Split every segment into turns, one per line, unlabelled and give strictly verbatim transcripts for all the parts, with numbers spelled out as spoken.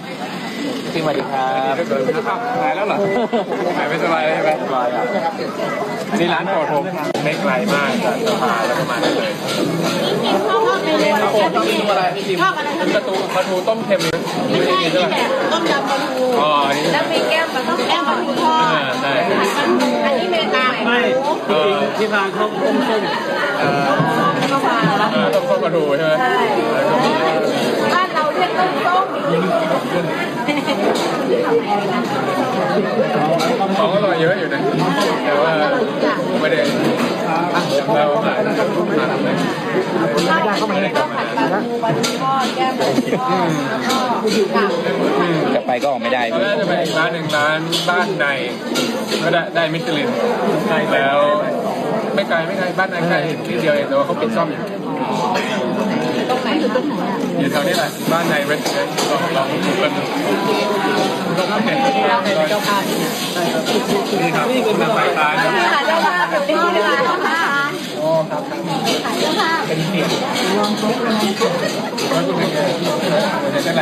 พี่สวัสดีครับ
หายแล้วเหรอหายไม่สบายใช่ไหมสบายครับนี่ร้านโปรดผมไม่ไกลมากจากสะพานแล้วก็มาได้เลย
ชอบเมนูอะไร
ชอบเมนูอะไรพี่จิมปลาทูปลาทูต้มเค็มนะ
ไม่ใช่ที่แบบต้มยำปลาทู
อ๋อนี่
แล้วมีแก้มปลาต้มแก้มปลาทูทอด
ใช่
อันนี้เมนูใหม่หมู
ที่ร้านเขาต้มส้ม
เออ
ก็มาแล้ว
ต้มส้มปลาทูใช่ไหม
บ้านเราเรียกต้มส้ม
ของอร่อยเยอะอยู่นะแต่ว่าไม่ได้เราหาทานเลย
ข้าวผัดเนยข้าวผัดปลาทูปลาทูทอดแก้มปลาทูทอดแล้วก็กับ
จะไปก็ออกไม่ได้
ตอนแรกจะไปอีกร้านหนึ่งร้านบ้านในก็ได้ได้มิชลินแล้วไม่ไกลไม่ไกลบ้านในใกล้นิดเดียวเองแต่ว่าเขาปิดซ่อมอยู่
ตรงไหนอยู่ตรงไหนอ่ะ
อยู่แถวนี้แหละบ้านในเรสเตอร์ลองลองดูกันต้องเห็น
เราเป็นเจ้าภาพ
นี่ครับนี่คือมาฝ่ายค้านครับ
นี่ค่ะเจ้าภาพเป็นที่เวลาเจ้าภาพ
โอ้ครับ
ขายเจ้าภาพ
เป็นเสียงลองเช็คลองเช็คแล้วคุณเป็นไงเป็นจะแรง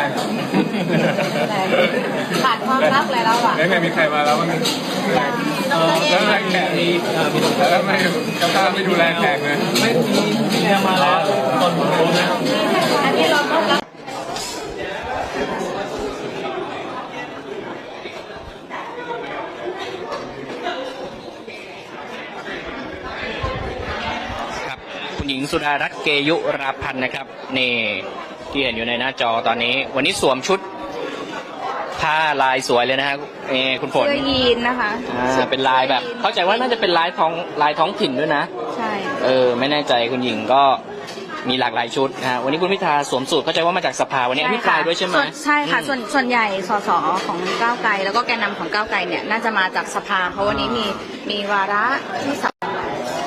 ขาดความรักอะไรแล้วอ่ะ
แล้วไงมีใครมาแล้วบ้างแล้วแรงแขกมีแล้วไม่กระทาไม่ดูแลแขกเลยไม่มีมีแขกมาแล้วคนรู้นะ
อันนี้เราต้องรับ
ครับคุณหญิงสุดารัตน์เกยุราพันธ์นะครับนี่ที่เห็นอยู่ในหน้าจอตอนนี้ วันนี้สวมชุดผ้าลายสวยเลยนะฮะเอคุณฝน
เสื้อยีนนะคะ
อ่าเป็นลายแบบ เข้าใจว่าน่าจะเป็นลายท้องลายท้องถิ่นด้วยนะ
ใช่
เออไม่แน่ใจคุณหญิงก็มีหลากหลายชุดนะฮะวันนี้คุณพิธาสวมสูทเข้าใจว่ามาจากสภาวันนี้อภิปรายด้วยใช่ไหม
ใช่ค่ะส่วนส่วนใหญ่สสของก้าวไกลแล้วก็แกนนำของก้าวไกลเนี่ยน่าจะมาจากสภาเพราะวันนี้มีมีวาระที่สำคัญ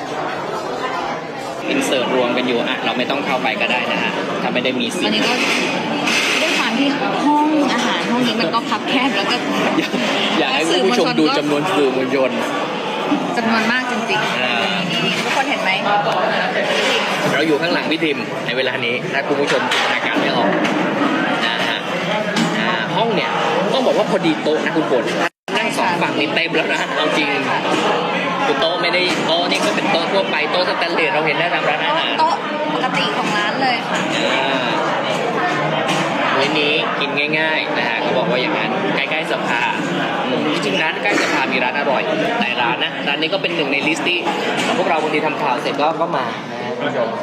อินเสิร์ตรวมกันอยู่อ่ะเราไม่ต้องเข้าไปก็ได้นะฮะถ้าไม่ได้มีสิ
วันนี้ก็ด้วยความที่ห้องอาหารห้องนี้มันก็คับแคบแล้วก็
อยากให้คุณผู้ชมดูจำนวนสื่อมวลชน
จำนวนมากจริง
อ่า
ๆทุกคนเห็นไหม
เราอยู่ข้างหลังพี่ทิมในเวลานี้ถ้าคุณผู้ชมจินตนาการไม่ออกนะฮะอ่าห้องเนี่ยต้องบอกว่าพอดีโต๊ะนะคุณฝนนั่งสองฝั่งนี่เต็มแล้วนะเอาจริงคือโต๊ะไม่ได้โต๊ะนี่ก็เป็นโต๊ะทั่วไปโต๊ะสแตนเลสเราเห็นได้ตามร้านอาหาร
โต๊ะปกติของร้านเลยค่ะ
อ่ามื้อนี้กินง่ายๆนะฮะเขาบอกว่าอย่างนั้นใกล้ๆสภาอืมจริงๆร้านใกล้สภามีร้านอร่อยหลายร้านนะร้านนี้ก็เป็นหนึ่งในลิสต์ที่พวกเราบางทีทำข่าวเสร็จก็ก็มานะฮะคุณผู้ชม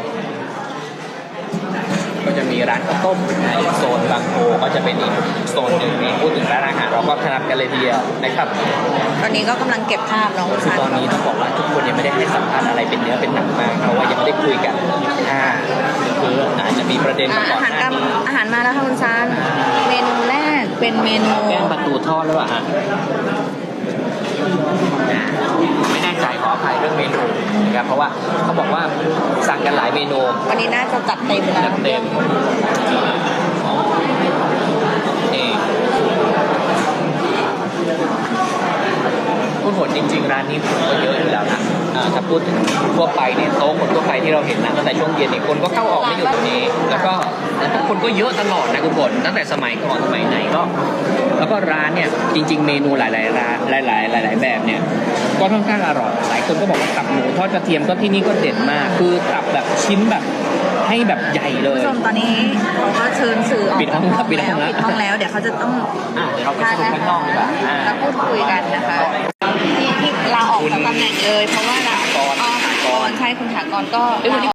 ก็จะมีร้านข้าวต้มนะอีกโซนบางโพก็จะเป็นอีกโซนหนึ่งนี่พูดถึงร้านอาหารเราก็ถนัดกันเลยทีเดียวนะครับ
ตอนนี้ก็กำลังเก็บภาพน้อง
คือ
ชาย
ตอนนี้ต้องบอกว่าทุกคนยังไม่ได้ให้สัมภาษณ์อะไรเป็นเนื้อเป็นหนังมากเพราะว่ายังไม่ได้คุยกันอ่าคืออาจจะมีประเด็นมาก่อน
อาหาร
หน้าก
ำ
นี้
อาหารมาแล้วค่ะคุณซานเมนูแรกเป็นเมนู
แก้มประตูทอดหรือเปล่าฮะไม่แน่ใจขออภัยเรื่องเมนูนะครับเพราะว่าเขาบอกว่าสั่งกันหลายเมนู
วันนี้น่าจะจัดเต็มแล้ว
จัดเต็มนี่คุณผลจริงๆร้านนี้คนก็เยอะอยู่แล้วนะอ่าถ้าพูดถึงทั่วไปเนี่ยโต๊ะคนทั่วไปที่เราเห็นนะตั้งแต่ช่วงเย็นเนี่ยคนก็เข้าออกไม่อยู่ตรงนี้ แล้วก็แล้วก็คนก็เยอะตลอดนะคุณผลตั้งแต่สมัยก่อนสมัยไหนก็ แล้วก็ร้านเนี่ยจริง ๆ เมนูหลายๆร้านหลายๆหลาย ๆ แบบเนี่ยก็ค่อนข้างอร่อยหลายคนก็บอกว่าตับหมูทอดกระเทียมก็ที่นี่ก็เด็ดมาก คือตับแบบชิ้นแบบให้แบบใหญ่เล
คุณ
ย
ผู้ชมตอนนี้เขาก็เชิญสื่อออก
ปิดห้อง
จาก
ปิดห้องแล้ว
ปิดห้องแล้วเดี๋ยวเขาจะต้อง
อ่ะเดี๋ยวเราไปสรุปข้างนอกดีกว่าอ่า
แล้วพูดคุยกันนะคะที่ที่ลาออกจากตำแหน่งเลย เพราะว่าลา
ถากร
อ๋อ
ถากร
ใช่คุณถากรก็
เอ้ยวันนี้